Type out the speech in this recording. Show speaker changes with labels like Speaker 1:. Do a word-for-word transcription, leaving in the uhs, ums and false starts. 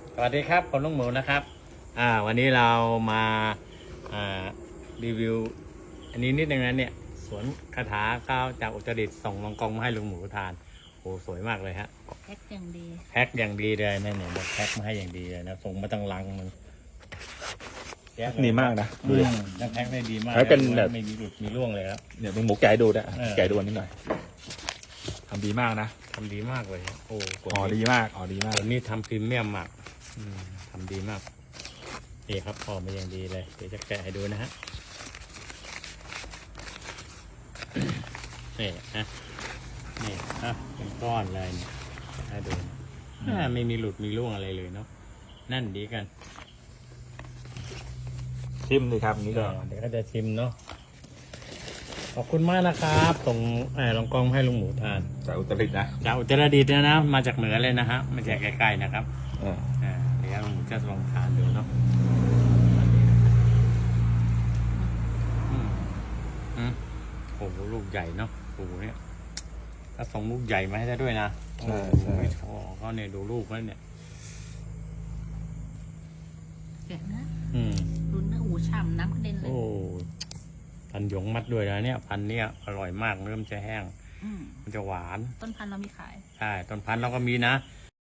Speaker 1: สวัสดีครับผมลุงหมูนะครับอ่าวันนี้เรามาอ่ารีวิวอันนี้นิดนึงนะเนี่ยสวนคาถาข้าวจากอุตรดิตถ์ส่งลองกองมาให้ลุงหมูทานโอ้สวยมากเลยฮะ
Speaker 2: แพ็คอย่างดี
Speaker 1: แพ็คอย่างดีเลยนะเนี่ยบอกแพ็คมาให้อย่างดีเลยนะส่งมาตั้งลังมัน
Speaker 3: ดีมากนะดูดิ
Speaker 1: นั่นแพ็คได้ดีมาก
Speaker 3: แพ็คเป็นแบบ
Speaker 1: ไม่มีหลุดมีร่วงเลยครับ
Speaker 3: เดี๋ยวมึงหมูแกะให้ดูนะ
Speaker 1: เออ
Speaker 3: แกะดูอันนี้หน่อยทำดีมากนะ
Speaker 1: ทำดีมากเลยฮะโอ้กด
Speaker 3: อ๋อดีมากอ๋อดีมาก
Speaker 1: ตัวนี้ทำพรีเมียมมากอืมทำดีมากนี่ครับพอมาอย่างดีเลยเดี๋ยวจะแกะให้ดูนะฮะ นี่นะนี่นะเป็นก้อนเลยเนี่ยให้ดูอ่าไม่มีหลุดมีร่วงอะไรเลยเนาะนั่นดีกัน
Speaker 3: ชิมเลยครับอันนี้ก็
Speaker 1: เดี๋ยวก็จะชิมเนาะขอบคุณมากนะครับส่งเอ่อลองกองให้ลุงหมูทาน
Speaker 3: จากอุตรดิตถ์นะ
Speaker 1: จากอุตรดิตถ์นะนะมาจากเหนือเลยนะฮะมาจากใกล้ๆนะครับ
Speaker 3: เออ
Speaker 1: อ่าเดี๋ยวลุงหมูจะลองทานดูเนาะอืมอืมโอ้โหลูกใหญ่เนาะโอ้โหเนี่ยถ้าส่งลูกใหญ่มาให้ได้ด้วยนะ
Speaker 3: ใช่ใช่
Speaker 1: ไม่ชอบก็เนี่ยดูลูกแล้วเนี่ย
Speaker 2: แกะนะ
Speaker 1: อืม
Speaker 2: รุนเนื้อหูฉ่ำน้ำกระเด็นเลย
Speaker 1: โอ้พันหยงมัดด้วยนะเนี่ยพันเนี้ยอร่อยมากเริ่มจะแห้ง
Speaker 2: อืม
Speaker 1: มันจะหวาน
Speaker 2: ต้นพันธุ์เรามีขาย
Speaker 1: ใช่ต้นพันธุ์เราก็มีนะ